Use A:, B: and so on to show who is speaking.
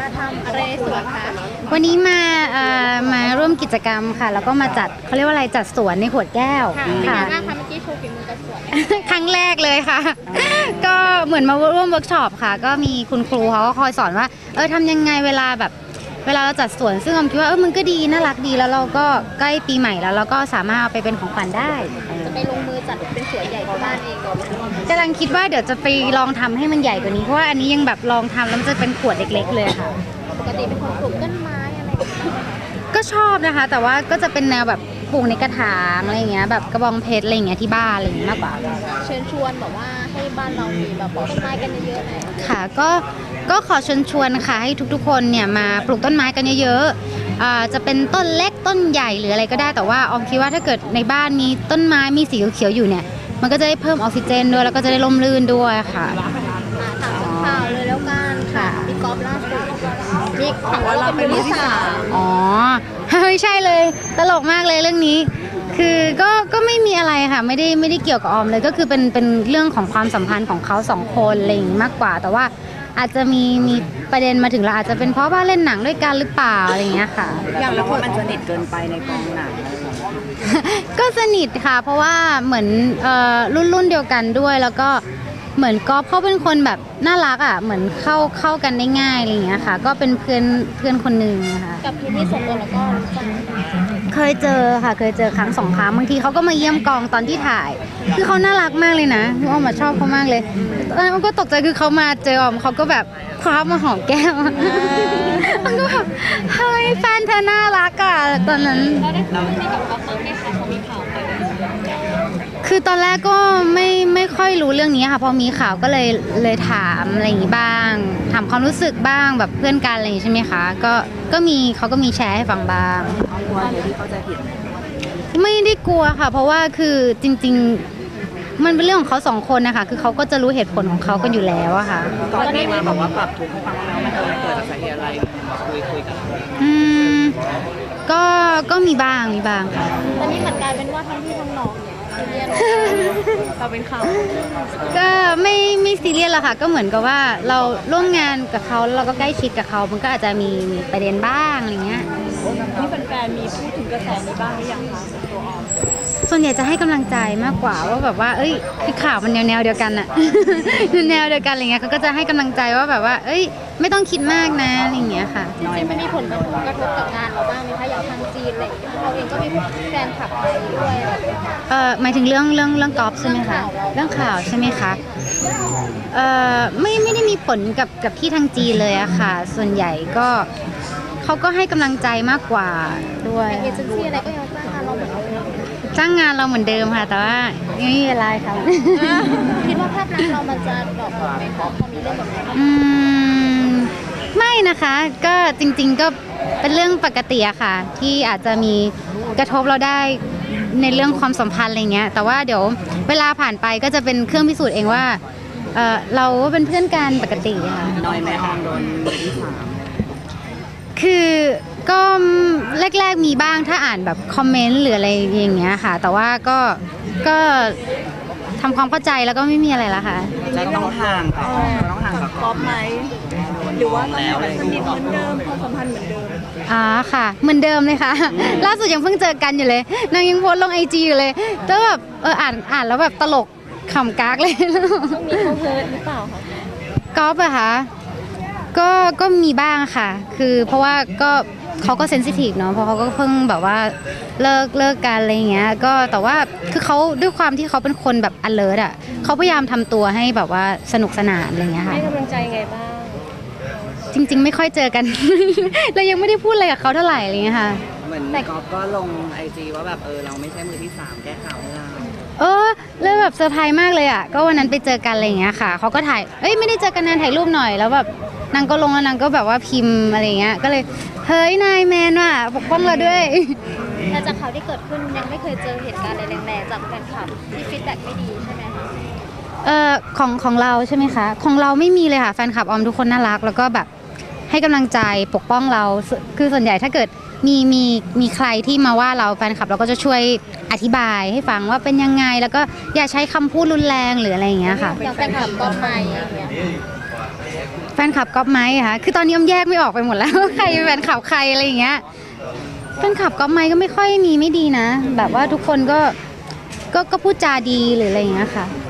A: มาทำอะไรสวนคะ
B: วันนี้มาร่วมกิจกรรมค่ะแล้วก็มาจัดเขาเรียกว่าอะไรจัดสวนในขวดแก้ว
A: ค่ะเป็นไงบ้างคะเมื่อกี้โชว์ฝีมือจัดสวน
B: ครั้งแรกเลยค่ะก็เหมือนมาร่วมเวิร์กช็อปค่ะก็มีคุณครูเขาก็คอยสอนว่าทำยังไงเวลาเราจัดสวนซึ่งออมคิดว่ามันก็ดีน่ารักดีแล้วเราก็ใกล้ปีใหม่แล้วเราก็สามารถเอาไปเป็นของขวัญได้
A: จะไปลงมือจัดเป็นสวนใหญ่ที่บ้านเอง
B: กำลังคิดว่าเดี๋ยวจะไปลองทำให้มันใหญ่กว่านี้เพราะว่าอันนี้ยังแบบลองทำแล้วมันจะเป็นขวดเล็กๆเลยค่ะ
A: ปกติเป็นคนปลูกต้นไม้อะไร
B: ก็ชอบนะคะแต่ว่าก็จะเป็นแนวแบบปลูกในกระถางอะไรอย่างเงี้ยแบบกระบองเพชรอะไรอย่างเงี้ยที่บ้านอะไรอย่างเงี้ยมากกว่า
A: เชิญชวนแบบว่าให้บ้านเรามีแบบปลูกต้นไม้กันเยอะๆหน่อย
B: ค่ะก็ขอเชิญชวนค่ะให้ทุกๆคนเนี่ยมาปลูกต้นไม้กันเยอะๆจะเป็นต้นเล็กต้นใหญ่หรืออะไรก็ได้แต่ว่าออมคิดว่าถ้าเกิดในบ้านมีต้นไม้มีสีเขียวๆอยู่เนี่ยมันก็จะได้เพิ่มออกซิเจนด้วยแล้วก็จะได้ร่มรื่นด้วยค่ะ
A: ถามข่าวเลยแล้วกันค่ะพี่กอล์ฟล่าสุดนี่ข่าวว่าเราเป็นมือที่สาม
B: อ๋อไม่ใช่เลยตลกมากเลยเรื่องนี้คือก็ไม่มีอะไรค่ะไม่ได้เกี่ยวกับออมเลยก็คือเป็นเรื่องของความสัมพันธ์ของเขาสองคนอะไรอย่างนี้มากกว่าแต่ว่าอาจจะมีประเด็นมาถึงเราอาจจะเป็นเพราะว่าเล่นหนังด้วยกันหรือเปล่าอะไรอย่างเงี้ยค่ะ
C: อย่างแล้วว่ามันสนิทเกินไปในกองหนัง
B: ก็สนิทค่ะเพราะว่าเหมือนรุ่นเดียวกันด้วยแล้วก็เหมือนก๊อฟเขาเป็นคนแบบน่ารักอ่ะเหมือนเข้ากันได้ง่ายอะไรอย่างเงี้ยค่ะก็เป็นเพื่อนคนหนึ่งค่ะ
A: กับพี่ที่ส่วนตัวแล้วก็
B: เคยเจอค่ะเคยเจอครั้งสองครั้งบางทีเขาก็มาเยี่ยมกองตอนที่ถ่ายคือเขาน่ารักมากเลยนะคือออมชอบเขามากเลยตอนนั้นออมก็ตกใจคือเขามาเจอออมเขาก็แบบคว้ามาหอมแก้มมันก็แบบเฮ้ยแฟนเธอน่ารักอ่ะตอนนั้น
A: เราได้คุยกับเขาไหมคะเขามีข่าวไป
B: คือตอนแรกก็ไม่ค่อยรู้เรื่องนี้ค่ะพอมีข่าวก็เลยถามอะไรอย่างนี้บ้างถามความรู้สึกบ้างแบบเพื่อนกันอะไรอย่างนี้ใช่ไหมคะก็มีเขาก็มีแชร์ให้ฟังบ้าง
C: กลัวที่เขาจะผิด
B: ไม่ได้กลัวค่ะเพราะว่าคือจริงๆมันเป็นเรื่องของเขาสองคนนะคะคือเขาก็จะรู้เหตุผลของเขากันอยู่แล้วอะค่ะ
C: ตอนนี้มาบอกว่าปรับทุกข์ให้ฟังแล้วมันเกิดจากสาเหตุอะไรคุยกัน
B: ก็มีบ้างค่ะ
A: ตอนนี้เหมือนกลายเป็นว่าทั้งพี่ทั้งน้องเนี่ยซีเรียสเราเป็นข่าว
B: ก็ไม่ซีเรียสหรอกค่ะก็เหมือนกับว่าเราร่วมงานกับเขาเราก็ใกล้ชิดกับเขามันก็อาจจะมีประเด็นบ้างอะไรเงี้ย
A: ที่แฟนๆมีพูดถึงกระแสนี้บ้างหรือยังคะตัวออม
B: ส่วนใหญ่จะให้กำลังใจมากกว่าว่าแบบว่าคือข่าวมันแนวเดียวกันอะแนวเดียวกันอะไรเงี้ยเขาก็จะให้กำลังใจว่าแบบว่าไม่ต้องคิดมากนะอะไรเงี้ยค่ะ
A: จริงๆมันมีผลกระทบกับงานเราบ้างไหมคะอย่างทางจีนอะไรอย่างเงี้ยเราเองก็มีแฟนคลับไปด้วย
B: หมายถึงเรื่องกอล์ฟใช่ไหมคะเรื่องข่าวใช่ไหมคะไม่ได้มีผลกับที่ทางจีนเลยอะค่ะส่วนใหญ่ก็เขาก็ให้กำลังใจมากกว่าด้วย
A: เอเจนซี่อะไรก็ยังจ้างงานเราเหมือนเดิม
B: จ้างงานเราเหมือนเดิมค่ะแต่ว่าไม่มีอะไรค่ะ
A: คิดว่าภาพลักษณ์เรามันจะดรอปลงไหมคะพอมีเรื่องแบบนี้
B: ไม่นะคะก็จริงๆก็เป็นเรื่องปกติอะค่ะที่อาจจะมีกระทบเราได้ในเรื่องความสัมพันธ์อะไรเงี้ยแต่ว่าเดี๋ยวเวลาผ่านไปก็จะเป็นเครื่องพิสูจน์เองว่าเราเป็นเพื่อนกันปกติค่ะ
C: น้อยแม่ออมโดนมือที่สาม
B: คือก็แรกๆมีบ้างถ้าอ่านแบบคอมเมนต์หรืออะไรอย่างเงี้ยค่ะแต่ว่าก็ทำความเข้าใจแล้วก็ไม่มีอะไรละค่ะ
C: จะต้องห่างกับ
A: กอล์ฟไหมหรือว่าต้องแบบสนิทเหมือนเดิมความสัมพันธ์เหมือนเดิม
B: ค่ะเหมือนเดิมเลยค่ะล่าสุดยังเพิ่งเจอกันอยู่เลยนางยังโพสลงIGอยู่เลยแล้วแบบอ่านแล้วแบบตลกขำกากเลย
A: ช่วงนี้เขาเฮิร์ตหรือเปล่าคะ
B: กอล์ฟอะคะก็มีบ้างค่ะคือเพราะว่าก็เขาก็เซนซิทีฟเนาะเพราะเขาก็เพิ่งแบบว่าเลิกกันอะไรเงี้ยก็แต่ว่าคือเขาด้วยความที่เขาเป็นคนแบบ alert อะเขาพยายามทำตัวให้แบบว่าสนุกสนานอะไรเงี้ยค่ะ
A: ให้กำลังใจไงบ้าง
B: จริงๆไม่ค่อยเจอกันเรายังไม่ได้พูดอะไรกับเขาเท่าไหร่อะไรเงี้ยค่ะ
C: เหมือนกอล์ฟก็ลงIGว่าแบบเราไม่ใช่มือที่สามแก้ข่าวให้เรา
B: แล้วแบบเซอร์ไพรส์มากเลยอ่ะก็วันนั้นไปเจอกันอะไรอย่างเงี้ยค่ะเขาก็ถ่ายไม่ได้เจอกันนานถ่ายรูปหน่อยแล้วแบบนางก็ลงแล้วนางก็แบบว่าพิมพ์อะไรเงี้ยก็เลยเฮ้ยนายแมนว่ะปกป้องเราด้วย
A: แต่จากข่าวที่เกิดขึ้นยังไม่เคยเจอเหตุการณ์อะไรแรงๆจากแฟนคลับที่ฟีดแบ็กไม่ดีใช่ไหมคะ
B: ของเราใช่ไหมคะของเราไม่มีเลยค่ะแฟนคลับออมทุกคนน่ารักแล้วก็แบบให้กำลังใจปกป้องเราคือส่วนใหญ่ถ้าเกิดมีใครที่มาว่าเราแฟนคลับเราก็จะช่วยอธิบายให้ฟังว่าเป็นยังไงแล้วก็อย่าใช้คำพูดรุนแรงหรืออะไรอย่างเงี้ยค่ะ
A: อย่างแฟนคลับก็ไม่อย่างเงี้ย
B: แฟนคลับก๊อปไหมอะคะคือตอนนี้อ้อมแยกไม่ออกไปหมดแล้วว่าใครเป็นแฟนคลับใครอะไรอย่างเงี้ยแฟนคลับก๊อปไหมก็ไม่ค่อยมีไม่ดีนะ แบบว่าทุกคนก็พูดจาดีหรืออะไรอย่างเงี้ยค่ะ